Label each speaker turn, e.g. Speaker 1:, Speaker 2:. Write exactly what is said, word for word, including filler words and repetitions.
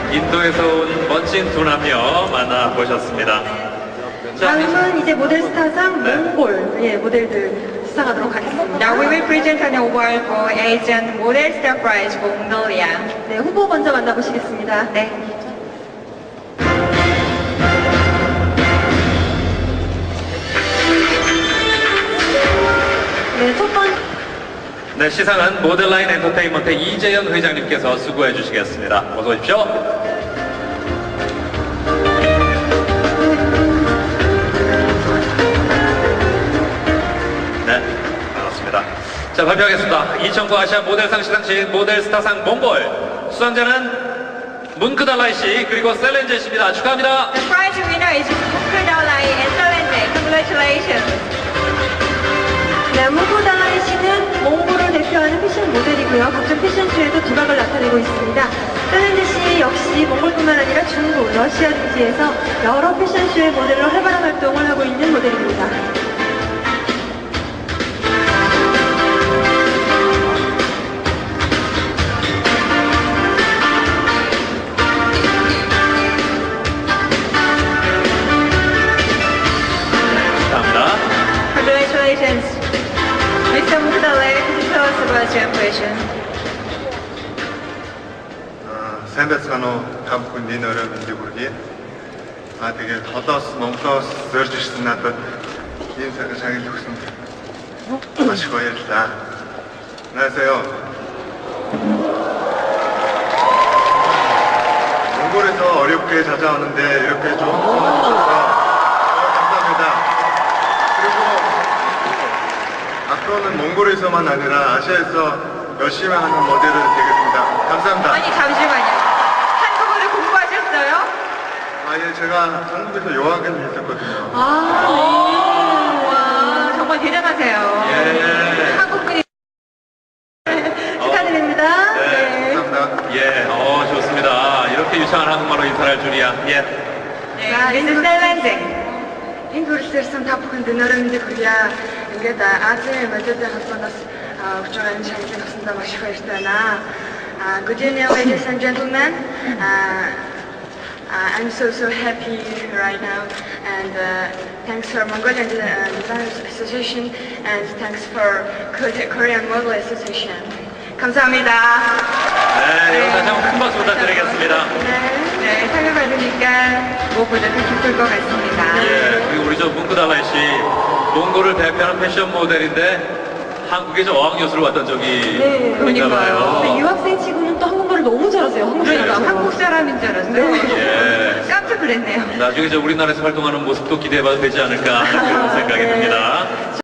Speaker 1: 인도에서 온 멋진 두 남녀 만나보셨습니다.
Speaker 2: 다음은 이제 모델 스타상
Speaker 1: 네.
Speaker 2: 몽골 예, 모델들 수상하도록 하겠습니다.
Speaker 3: Now we will present an award for Asian Model Star Prize for Mongolia.
Speaker 2: 네, 후보 먼저 만나보시겠습니다.
Speaker 3: 네.
Speaker 2: 네, 첫 번째.
Speaker 1: 네, 시상은 모델라인 엔터테인먼트 이재현 회장님께서 수고해 주시겠습니다. 어서 오십시오. 네, 반갑습니다. 자, 발표하겠습니다. 이천구 아시아 모델상 시상식 모델스타상 몽골 수상자는 문크달라이 씨 그리고 셀렌제 씨입니다. 축하합니다.
Speaker 3: The prize winner is Mukdalai and Selene. Congratulations.
Speaker 2: 네, 무구달라이 씨는 몽골을 대표하는 패션 모델이고요. 각종 패션쇼에도 두각을 나타내고 있습니다. 셀렌제 씨 역시 몽골뿐만 아니라 중국, 러시아 등지에서 여러 패션쇼의 모델로 활발한 활동을 하고 있는 모델입니다.
Speaker 1: 축하합니다.
Speaker 3: Congratulations. Mister Mukdalai, could you tell us about your impression?
Speaker 4: Сайн та бүхэн энэ өрөө мэндийг хүргэе. Аа тэгээд холоос Монголоос зорж ирсэн надад ийм цагаан шагнал өгсөнд маш их баярлалаа. 안녕하세요. 몽골에서 어렵게 찾아오는데 이렇게 좋은 선물 주셔서 감사합니다. 그리고 앞으로는 몽골에서만 아니라 아시아에서 열심히 하는 모델을 되겠습니다. 감사합니다.
Speaker 3: 아니, 잠시만요. 한국어를 공부하셨어요?
Speaker 4: 아, 예, 제가 한국에서 요학을 했었거든요.
Speaker 3: 아, 와, 정말 대단하세요.
Speaker 1: 예.
Speaker 3: 한국분이
Speaker 2: 축하드립니다.
Speaker 1: 네.
Speaker 4: 감사합니다.
Speaker 1: 예, 어, 좋습니다. 이렇게 유창한 한국말로 인사를 할 줄이야. 예.
Speaker 3: 네, 미스 셀렌제.
Speaker 5: Энд хүрэлцээрсэн та бүхэнд өнөөдөр мэндийг хүргье. Ингээд Азийн модельийн холбооноос өгч байгаа энэ шагналыг авсандаа маш их баяртай байна. Uh, good evening, ladies and gentlemen. Uh, uh, I'm so so happy right now, and uh, thanks for Mongolian uh, Designers Association, and thanks for Korean Model Association.
Speaker 3: 감사합니다.
Speaker 1: 네, 여러분 다시 한번 큰 박수 부탁드리겠습니다.
Speaker 3: 네, 네, 상을 받으니까 무엇보다 더 기쁠 것 같습니다.
Speaker 1: 예, 그리고 우리 저 문크달라이 씨, 몽골을 대표하는 패션 모델인데 한국에 저 어학연수를 왔던 적이
Speaker 2: 네,
Speaker 1: 있나
Speaker 3: 그러니까요.
Speaker 1: 봐요.
Speaker 2: 근데 유학생 치고는 또 한국말을 너무 잘하세요. 한국
Speaker 3: 그러니까
Speaker 2: 사람처럼.
Speaker 3: 한국 사람인 줄 알았어요.
Speaker 1: 예.
Speaker 3: 깜짝 놀랐네요.
Speaker 1: 나중에 저 우리나라에서 활동하는 모습도 기대해봐도 되지 않을까 하는 그런 생각이 듭니다.